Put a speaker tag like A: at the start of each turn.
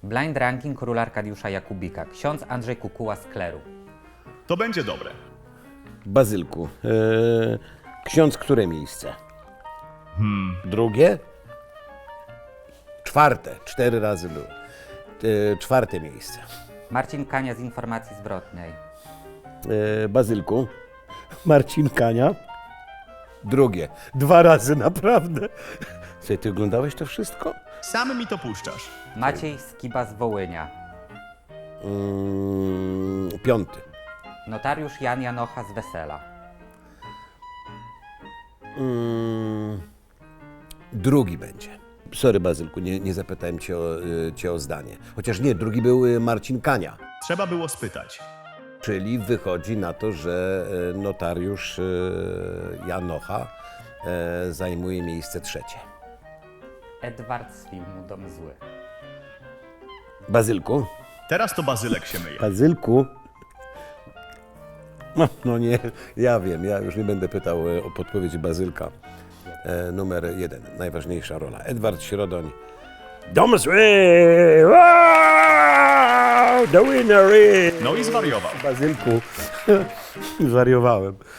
A: Blind ranking króla Arkadiusza Jakubika. Ksiądz Andrzej Kukuła z kleru.
B: To będzie dobre.
C: Bazylku, ksiądz które miejsce? Drugie? Czwarte, 4 razy był. Czwarte miejsce.
A: Marcin Kania z Informacji Zwrotnej.
C: Bazylku, Marcin Kania. Drugie, 2 razy naprawdę. Słuchaj, ty oglądałeś to wszystko?
B: Sam mi to puszczasz.
A: Maciej Skiba z Wołynia.
C: Piąty.
A: Notariusz Jan Janocha z Wesela.
C: Drugi będzie. Sorry, Bazylku, nie zapytałem cię o zdanie. Chociaż nie, drugi był Marcin Kania.
B: Trzeba było spytać.
C: Czyli wychodzi na to, że notariusz Janocha zajmuje miejsce trzecie.
A: Edward z filmu Dom Zły.
C: Bazylku?
B: Teraz to Bazylek się myje.
C: Bazylku? No nie, ja wiem, ja już nie będę pytał o podpowiedzi Bazylka. Numer 1, najważniejsza rola. Edward Środoń. Dom zły! Wow! The winner is...
B: No i zwariował.
C: Bazylku, zwariowałem.